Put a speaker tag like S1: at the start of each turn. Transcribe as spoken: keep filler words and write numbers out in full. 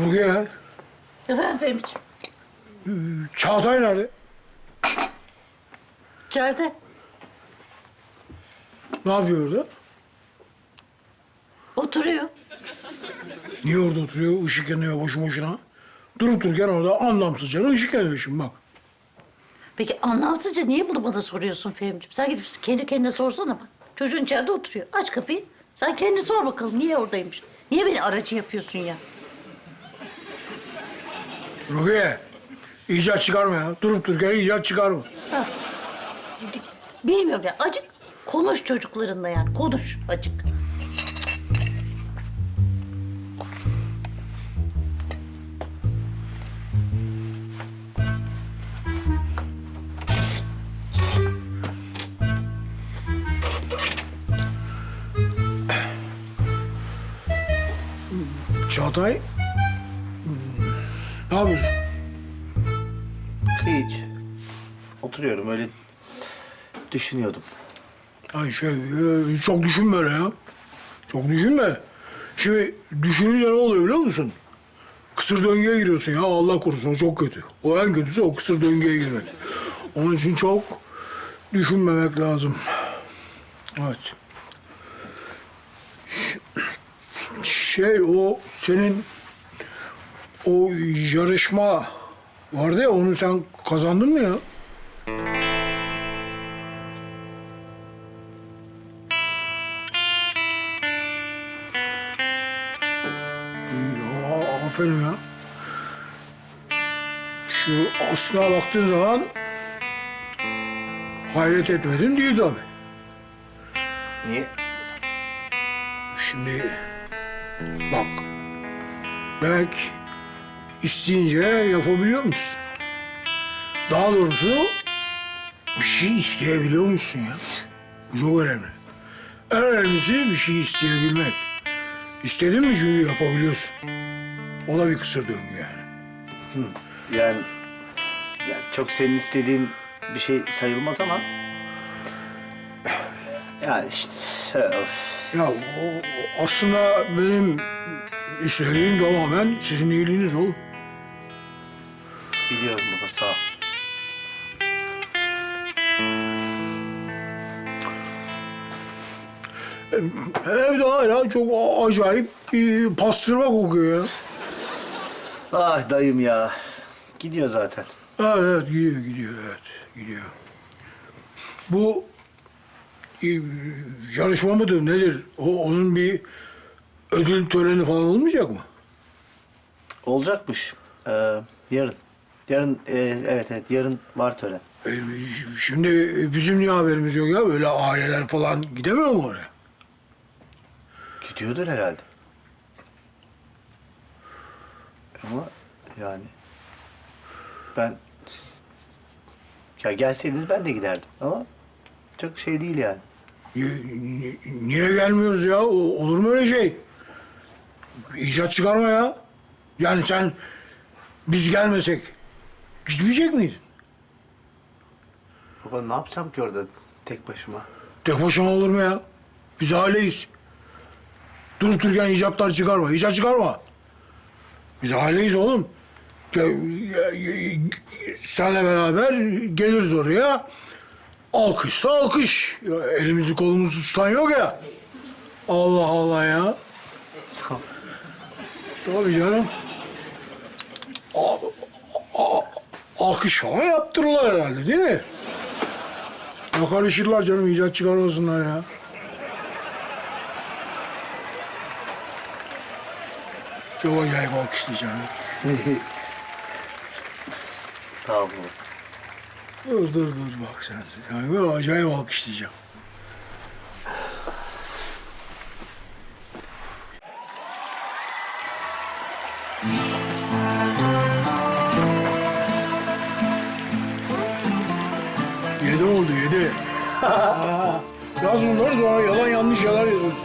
S1: Rukiye,
S2: Efendim Fehmi'ciğim.
S1: Çağatay nerede?
S2: İçeride.
S1: Ne yapıyor orada?
S2: Oturuyor.
S1: Niye orada oturuyor? Işık yanıyor boşu boşuna. Durup dururken orada anlamsızca ışık yanıyor şimdi bak.
S2: Peki anlamsızca niye bunu bana soruyorsun Fehmi'ciğim? Sen gidip kendi kendine sorsana bak. Çocuğun içeride oturuyor. Aç kapıyı. Sen kendi sor bakalım niye oradaymış? Niye beni aracı yapıyorsun ya?
S1: Rukiye, icat çıkarma ya. Durup dururken icat çıkarma.
S2: Bilmiyorum ya. Acık konuş çocuklarınla yani. Konuş acık.
S1: Çağatay, hmm, ne yapıyorsun?
S3: Hiç. Oturuyorum öyle düşünüyordum.
S1: Ay şey, e, çok düşünme öyle ya. Çok düşünme. Şimdi düşününce ne oluyor biliyor musun? Kısır döngüye giriyorsun ya. Allah korusun o çok kötü. O en kötüsü o kısır döngüye girmek. Onun için çok düşünmemek lazım. Evet. Şey o senin o yarışma vardı ya onu sen kazandın mı ya? Ya, aferin ya. Şu aslına baktığın zaman hayret etmedin değil tabii.
S3: Niye?
S1: Şimdi bak demek isteyince yapabiliyor musun? Daha doğrusu bir şey isteyebiliyor musun ya? Bu çok önemli. En önemlisi bir şey isteyebilmek. İstedin mi çünkü yapabiliyorsun. O da bir kısır döngü yani.
S3: Yani ya çok senin istediğin bir şey sayılmaz ama yani işte of.
S1: Ya o, aslında benim istediğim tamamen sizin iyiliğiniz oğlum.
S3: Biliyorum baba sağ ol.
S1: Evde hala çok acayip bir pastırma kokuyor ya.
S3: Ah dayım ya. Gidiyor zaten.
S1: Evet, evet gidiyor, gidiyor, evet gidiyor. Bu e, yarışma mıdır, nedir? O, onun bir ödül töreni falan olmayacak mı?
S3: Olacakmış. Ee, yarın. Yarın e, evet evet yarın var tören.
S1: E, şimdi bizim niye haberimiz yok ya? Böyle aileler falan gidemiyor mu oraya?
S3: Gidiyordur herhalde. Ama yani ben ya gelseydiniz ben de giderdim ama çok şey değil yani.
S1: Niye, ni- niye gelmiyoruz ya? O, olur mu öyle şey? İcat çıkarma ya. Yani sen biz gelmesek gitmeyecek miydin?
S3: Baba ne yapacağım ki orada tek başıma?
S1: Tek başına olur mu ya? Biz aileyiz. Durup dururken icatlar çıkarma. İcat çıkarma. Biz aileyiz oğlum. Ya, ya, ya, senle beraber geliriz oraya. Alkışsa alkış. Ya, elimizi kolumuzu tutan yok ya. Allah Allah ya. Tabii canım. A, a, alkış falan yaptırırlar herhalde değil mi? Ya karışırlar canım icat çıkarmasınlar ya. Çok acayip alkışlayacağım.
S3: Sağ ol.
S1: Dur dur dur bak sen. Yani böyle acayip alkışlayacağım. Yedi oldu yedi. Yaz bunları sonra yalan yanlış şeyler yazıyorsun.